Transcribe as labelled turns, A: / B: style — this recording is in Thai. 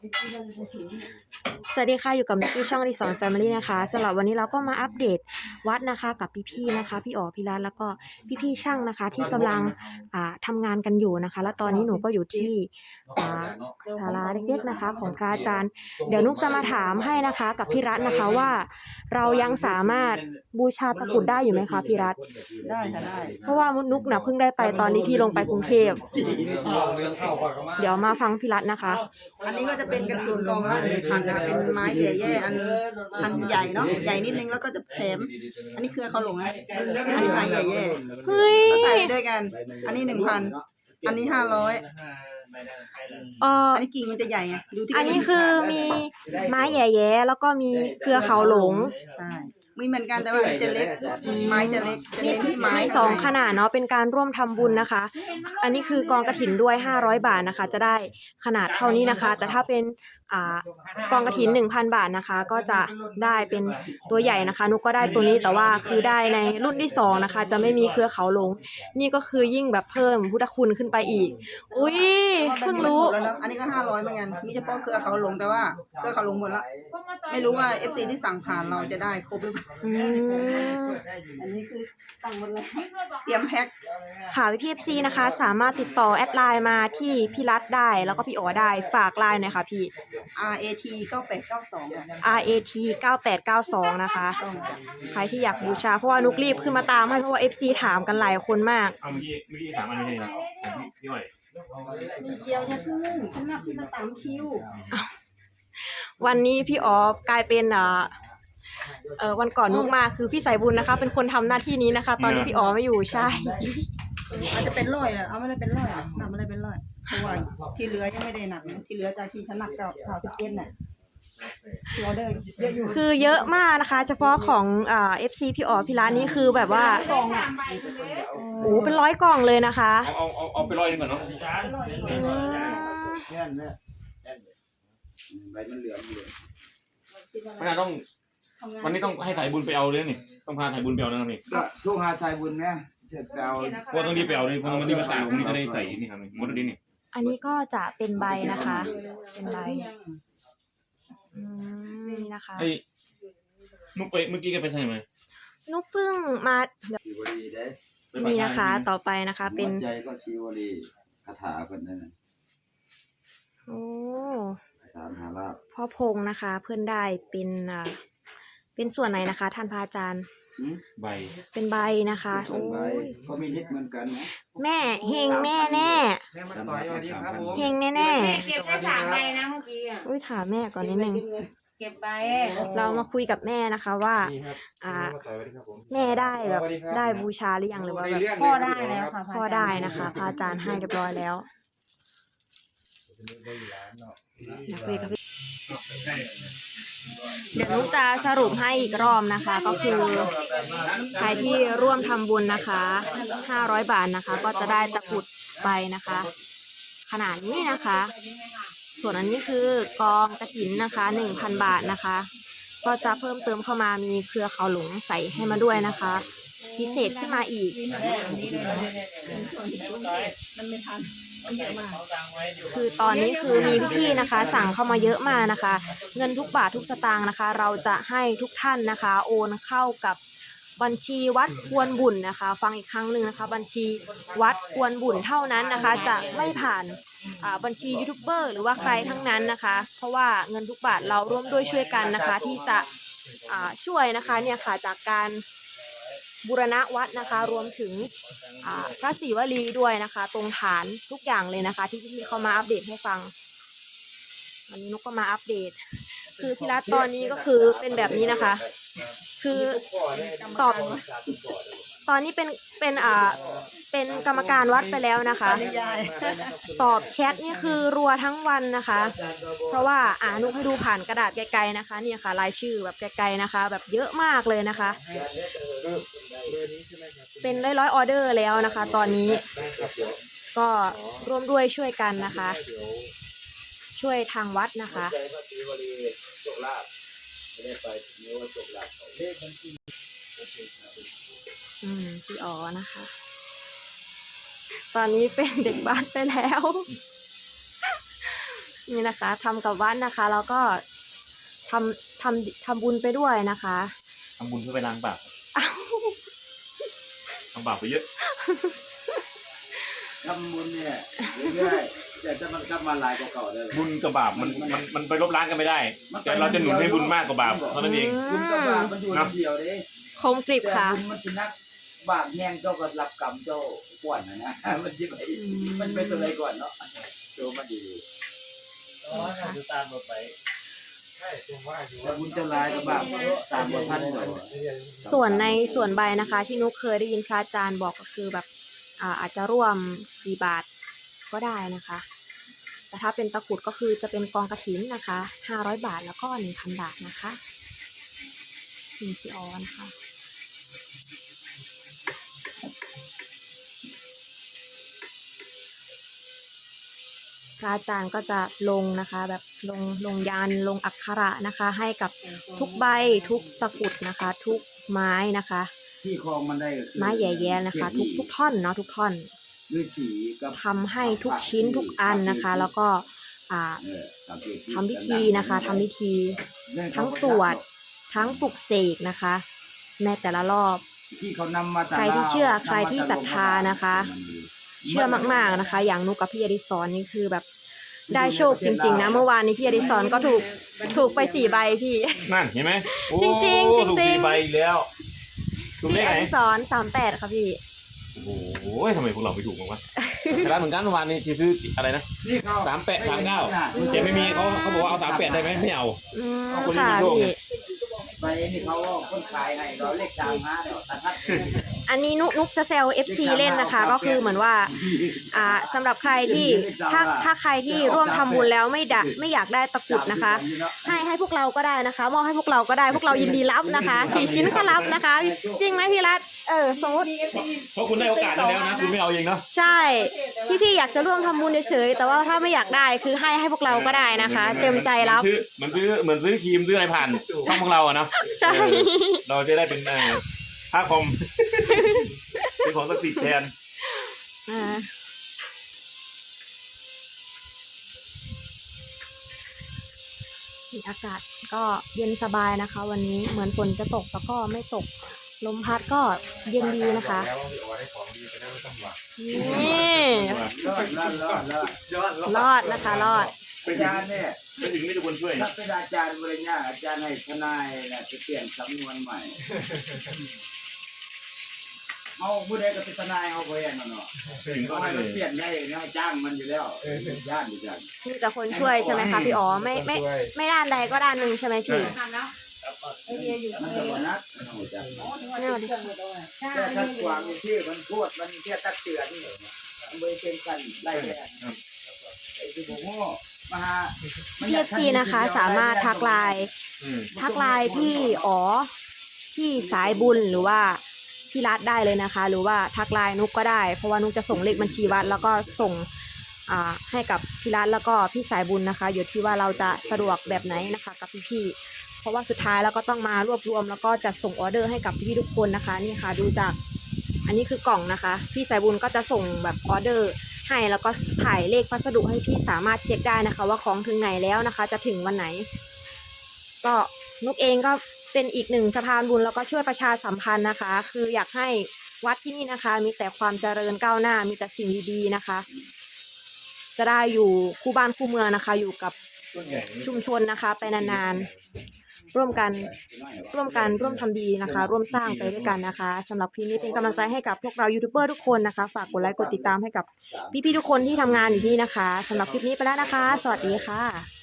A: สวัสดีค่ะอยู่กับนิกกี้ช่องรีสอร์ทแฟมิลี่นะคะสำหรับวันนี้เราก็มาอัปเดตวัดนะคะกับพี่ๆนะคะพี่อ๋อพี่รัตแล้วก็พี่ๆช่างนะคะที่กำลังทำงานกันอยู่นะคะและตอนนี้หนูก็อยู่ที่ศาลาเล็กๆนะคะของพระอาจารย์เดี๋ยวนุกจะมาถามให้นะคะกับพี่รัตนะคะว่าเรายังสามารถบูชาตะกรุดได้อยู่ไหมคะพี่รัต
B: ได้ค่ะได้
A: เพราะว่านุกน่ะเพิ่งได้ไปตอนที่พี่ลงไปกรุงเทพเดี๋ยวมาฟังพี่รัตนะคะ
B: อันนี้ก็จะเป็นกระถิ่นกองละ1,000นะคะเป็นไม้แย่ๆอันใหญ่เนาะใหญ่นิดนึงแล้วก็จะแถมอันนี้คือเขาหลงนะอันนี้ไม้แย่
A: เฮ้ย
B: ๆใส่ไปด้วยกันอันนี้1,000อันนี้500อันนี้กิ่งมันจะใหญ่ไงดูที่
A: อันนี้คือมีไม้แย่ๆแล้วก็มีเครือเขาหลง
B: ใช่มีเหมือนกันแต่ว่าจะเล็กไม้จะเล็กจะเน้นที่ไม้
A: มีสองขนาดเนาะเป็นการร่วมทำบุญนะคะอันนี้คือกองกฐินด้วย500 บาทนะคะจะได้ขนาดเท่านี้นะคะแต่ถ้าเป็นกองกฐิน 1,000 บาทนะคะก็จะได้เป็นตัวใหญ่นะคะนุกก็ได้ตัวนี้แต่ว่าคือได้ในรุ่นที่2นะคะจะไม่มีเครือเขาหลงนี่ก็คือยิ่งแบบเพิ่มพุทธคุณขึ้นไปอีกอุ้ยเพิ่งรู้
B: อันนี้ก็500เหมือนกันมีเฉพาะเครือเขาหลงแต่ว่าเครือเขาหลงหมดแล้วไม่รู้ว่า FC ที่สั่งผ่านเราจะได้ครบหรือเปล่าอันนี้คือสั่งหมดเลยเตรียมแพ็ค
A: ค่ะพี่ FC นะคะสามารถติดต่อแอดไลน์มาที่พี่รัตได้แล้วก็พี่อ๋อได้ฝากไลน์หน่อยค่ะพี่
B: RAT 9892
A: RAT 9892นะคะใครที่อยากบูชาเพราะว่านุกรีบขึ้นมาตามให้เพราะว่า FC ถามกันหลายคนมาก
C: เมื่อกี้ถามอันนี้นะพี่อ้อย
B: มีเกียวเนี่ยพึ่งฉันนับขึ้นมาตามคิว
A: วันนี้พี่อ๋อกลายเป็นวันก่อนนุกมาคือพี่สายบุญนะคะเป็นคนทำหน้าที่นี้นะคะตอนนี้พี่อ๋อไม่อยู่ใช่
B: อาจจะเป็นร้อยเอาไม่ได้เป็นร้อยหนักไม่ได้เป็นร้อยเพราะว่าที่เหลือยังไม่ได้หนักที่เหลือจากที่ฉันหนักกับ17น่ะออเดอร์เยอะอยู่
A: คือเยอะมากนะคะเฉพาะของFC พี่อ๋อพี่ร้านนี้คือแบบว่ากล่องโอ้เป็น100 กล่องเลยนะคะ
C: เอาไป100นึงก่อนเนาะ
D: ใบมันเหลืองอยู่
C: ไม่ต้องวันนี้ต้องให้สายบุญไปเอาเลยนี่ต้องพาสายบุญไปเอาแล้วนี่
D: ก็ทุกหาสายบุญเนี่ยเจ็ดไปเอา
C: เพราะต้องรีบไปเอาเลยเพราะมันรีบมาตากวันนี้จะได้ใส่นี่ครับมดดินนี่
A: อันนี้ก็จะเป็นใบนะคะเป็นใบนี่นะคะ
C: ไอ้นุ๊กไปเมื่อกี้แกไปใช่ไหม
A: นุ๊กเพิ่งมานี่นะคะต่อไปนะคะเป็น
D: ใจก็ชีวลีคาถาคนนั้น
A: โอ้
D: คาถามหาลาภ
A: พ่อพงนะคะเพื่อนได้เป็นส่วนไหนนะคะท่านพระอาจารย์
C: ใบ
A: เป็นใบนะคะ
D: โอ้ยก็มีฤทธิ์เหมือนกันนะ
A: แม่เฮงแน่แน่เฮงแน่แน่
E: เก็บได้3 ใบนะเมื่อกี้อ่ะ
A: ถามแม่ก่อนนิดนึง
E: เก็บใบ
A: เรามาคุยกับแม่นะคะว่าแม่ได้แบบได้บูชาหรือยังหรือว่าแบบ
E: พ่อได้แล้วค่ะ
A: พ่อได้นะคะพระอาจารย์ให้เรียบร้อยแล้วเดี๋ยวนุ๊กจะสรุปให้อีกรอบนะคะก็คือใครที่ร่วมทำบุญนะคะ500 บาทนะคะก็จะได้ตะกรุดไปนะคะขนาดนี้นะคะส่วนอันนี้คือกองกฐินนะคะ 1,000 บาทนะคะก็จะเพิ่มเติมเข้ามามีเครือเขาหลงใส่ให้มาด้วยนะคะพิเศษขึ้นมาอีกคือตอนนี้คือมีพี่ๆนะคะสั่งเข้ามาเยอะมากนะคะเงินทุกบาททุกสตางค์นะคะเราจะให้ทุกท่านนะคะโอนเข้ากับบัญชีวัดควรบุญนะคะฟังอีกครั้งหนึ่งนะคะบัญชีวัดควรบุญเท่านั้นนะคะจะไม่ผ่านบัญชียูทูบเบอร์หรือว่าใครทั้งนั้นนะคะเพราะว่าเงินทุกบาทเราร่วมด้วยช่วยกันนะคะที่จะช่วยนะคะเนี่ยค่ะจากการบูรณะวัดนะคะรวมถึงพระศรีวลีด้วยนะคะตรงฐานทุกอย่างเลยนะคะที่พี่เขามาอัปเดตให้ฟังวันนี้นุกก็มาอัปเดตคือพี่รัตตอนนี้ก็คือเป็นแบบนี้นะคะคือตอนนี้เป็นกรรมการวัดไปแล้วนะคะตอบแชทนี่คือรัวทั้งวันนะคะเพราะว่านุกให้ดูผ่านกระดาษไกลๆนะคะเนี่ยค่ะรายชื่อแบบไกลๆนะคะแบบเยอะมากเลยนะคะเป็นร้อยออเดอร์แล้วนะคะตอนนี้ก็ร่วมด้วยช่วยกันนะคะช่วยทางวัดนะคะพี่อ๋อนะคะตอนนี้เป็นเด็กบ้านไปแล้วนี่นะคะทำกับวัดนะคะแล้วก็ทำบุญไปด้วยนะคะ
C: ทำบุญเพื่อไปล้างบาป
A: อ้าว
C: ทำบาปไปเยอะ
D: ทำบุญเนี่ยเรื่อยๆแต่จะมันกลับมาหลายกว่าเก่าได้เลย
C: บุญกับบาปมันไปลบล้างกันไม่ได้ แต่เราจะหนุนให้บุญมากกว่าบาปเท่านั้นเอง
D: บุญกับบาปมันอยู่คนเดียวเด้
A: คมกริบ
D: แต่
A: ค่ะ
D: บุญมันสินักบาปแห้งเจ้าก็รับกรรมเจ้าก่อนนะมันสิไปมันเป็นตัวอะไรก่อนเนาะโจมันดี แต่บุญจะลายกับบาปตามบทท่านเลย
A: ส่วนในส่วนใบนะคะ ที่นุกเคยได้ยินพระอาจารย์บอกก็คือแบบอาจจะร่วมกี่บาทก็ได้นะคะ แต่ถ้าเป็นตะกรุดก็คือจะเป็นกองกฐินนะคะ500 บาทแล้วก็ 1,000 บาทนะคะนี่พี่ออนะคะพระอาจารย์ก็จะลงนะคะแบบลงยันลงอักขระนะคะ ให้กับทุกใบทุกตะกรุดนะคะ ทุกไม้นะคะ
D: ที่คลองมันได้
A: ไม้แย่ๆนะคะ ทุกท่อนเนาะทุกท่อน
D: ด้วยสีกับ
A: ทำให้ทุกชิ้นทุกอันนะคะ แล้วก็ทำพิธีนะคะทำพิธีทั้งสวดทั้งปลุกเสกนะคะในแต่ละรอบ
D: ที่เขานำมา
A: ใครที่เชื่อใครที่ศรัทธานะคะ เชื่อมากๆนะคะ อย่างนุกกับพี่อดิศรนี่คือแบบได้โชคจริงๆนะเมื่อวานนี้พี่อดิศรก็ถูกไป4 ใบพี่
C: นั่นเห็นไหมโอ้
A: จริงๆ
C: ถูก
A: จริงๆ
C: 4 ใบอีกแล้วถูกเล
A: พี่
C: ข
A: อ
C: ไหน
A: ดิศร38ค่ะพี่
C: โอ้โหทำไมพวกเราไม่ถูกบ้างวะแต่ร้านเหมือนกันเมื่อวานนี้ที่ซื้ออะไรนะ
D: นี่เขา
C: 38 39แต่ไม่มีเขาบอกว่าเอา38ได้ไหมไม่เอา เอาคนที่
A: ค่ะ
C: มีโชคไง
A: พี่
D: ไปนี่เขาคนขายให้เราเลข35เดี๋ยวตัดทัด
A: อันนี้นุกจะแซว FC เล่นนะคะ ก็คือเหมือนว่าสำหรับใครที่ถ้าใครที่ร่วมทำบุญแล้วไม่อยากได้ตะกรุดนะคะ ให้พวกเราก็ได้นะคะมอบให้พวกเราก็ได้พวกเรายินดีรับนะคะกี่ชิ้นก็รับนะคะ จริงไหมพี่รัตสมมติ
C: เพราะคุณได้โอกาสนั้นแล้วนะคุณไม่เอาเองเนาะ
A: ใช่พี่อยากจะร่วมทำบุญเฉยๆแต่ว่าถ้าไม่อยากได้คือให้พวกเราก็ได้นะคะ เต็มใจรับ
C: เหมือนซื้อครีมซื้ออะไรผ่านช่องพวกเราอะเนาะ
A: ใช่
C: เราจะได้เป็นค่าคอม เป็นของศักดิ์สิทธิ์แทน
A: อากาศก็เย็นสบายนะคะ วันนี้เหมือนฝนจะตกแต่ก็ไม่ตกลมพัดก็เย็นดีนะคะนี่
D: รอด
A: รอดนะคะรอด
D: อาจารย์เนี่ย
C: ไม่ถึงไม่ทุกคนช่วย
D: ถ้าเป็นอาจารย์บริญญาอาจารย์ให้ทนายเนี่ยจะเปลี่ยนสำนวนใหม่เอาผู้ใดก็เป็นทนายเอาไปอย่างนั้นเนาะ
C: ถึงก็
D: เขา
C: ได้
D: ให้
C: เล
D: มัน
C: ย
D: เปลี่ยนได้นะจ้างมันอยู่แล้วย่านอยู่จัง
A: มีแต่คนช่วยใช่ไหมคะพี่อ๋อไม่ด้านใดก็ด้านหนึ่งใช่ไหมพี่
E: ทำแล้ว
D: มันจะบ่นักมันหัวจัง
A: ไม่เอาดิ
D: แต่ถ้าความมีชื่อมันพูดมันแค่ตักเตือนมันไม่เป็นกันไล่แค่ไอ้ที่ผมโง่มาหา
A: พี่FCนะคะสามารถทักไลน์พี่อ๋อที่สายบุญหรือว่าพี่รัฐได้เลยนะคะ หรือว่าทักไลน์นุกก็ได้เพราะว่านุกจะส่งเลขบัญชีวัดแล้วก็ส่งให้กับพี่รัฐแล้วก็พี่สายบุญนะคะอยู่ที่ว่าเราจะสะดวกแบบไหนนะคะกับพี่ๆเพราะว่าสุดท้ายแล้วก็ต้องมารวบรวมแล้วก็จะส่งออเดอร์ให้กับพี่ๆทุกคนนะคะนี่ค่ะดูจากอันนี้คือกล่องนะคะพี่สายบุญก็จะส่งแบบออเดอร์ให้แล้วก็ถ่ายเลขพัสดุให้พี่สามารถเช็คได้นะคะ ว่าของถึงไหนแล้วนะคะ จะถึงวันไหนก็นุกเองก็เป็นอีกหนึ่งสะพานบุญแล้วก็ช่วยประชาสัมพันธ์นะคะ คืออยากให้วัดที่นี่นะคะ มีแต่ความเจริญก้าวหน้ามีแต่สิ่งดีๆนะคะ จะได้อยู่คู่บ้านคู่เมืองนะคะ อยู่กับชุมชนนะคะ ไปนานๆร่วมทำดีนะคะ ร่วมสร้างไปด้วยกันนะคะสำหรับคลิปนี้เป็นกำลังใจให้กับพวกเรายูทูบเบอร์ทุกคนนะคะฝากกดไลค์กดติดตามให้กับพี่ๆทุกคนที่ทำงานอยู่ที่นี่นะคะสำหรับคลิปนี้ไปแล้วนะคะ สวัสดีค่ะ